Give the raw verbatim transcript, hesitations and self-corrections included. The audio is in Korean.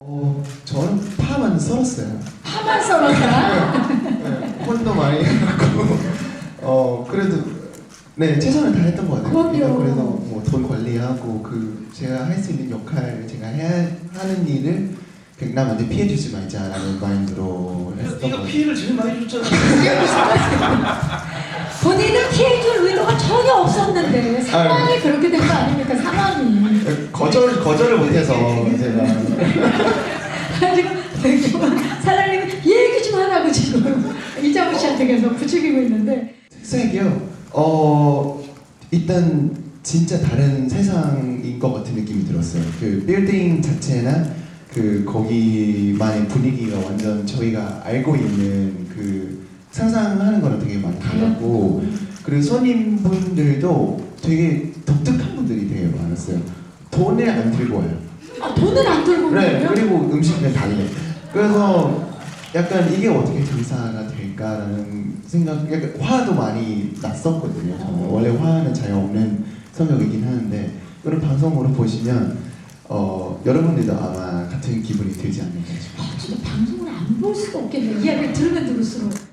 어, 저는 파만 썰었어요. 파만 썰었다? 네, 혼도 많이 해갖고 어 그래도 네 최선을 다했던 것 같아요. 그럼요. 그래서 뭐 돈 관리하고 그 제가 할 수 있는 역할, 제가 해야 하는 일을 그냥 남한테 피해주지 말자라는 마인드로 했었던 것 네가 같아요. 피해를 제일 많이 줬잖아. 본인은 피해줄 의도가 전혀 없었는데 상황이 그렇게 된 거 아닙니까? 상황이. 거절 거절을 못해서 제가 지금 사장님이 얘기 좀 하라고 지금 이장우 씨한테 계속 부추기고 있는데. 색이요. 어 일단 진짜 다른 세상인 것 같은 느낌이 들었어요. 그 빌딩 자체나 그 거기만의 분위기가 완전 저희가 알고 있는 그 상상하는 거랑 되게 많이 달랐고, 그리고 손님분들도 되게 독특한 분들이 되게 많았어요. 돈을 안 들고 와요. 아, 돈을 안 들고 오는 네, 거예요? 그리고 음식은 달래. 그래서 약간 이게 어떻게 장사가 될까라는 생각, 약간 화도 많이 났었거든요. 저는 원래 화는 잘 없는 성격이긴 하는데, 그런 방송으로 보시면 어, 여러분들도 아마 같은 기분이 들지 않을까 싶어요. 아, 진짜 방송을 안 볼 수가 없겠네. 이야기를 들으면 들을수록.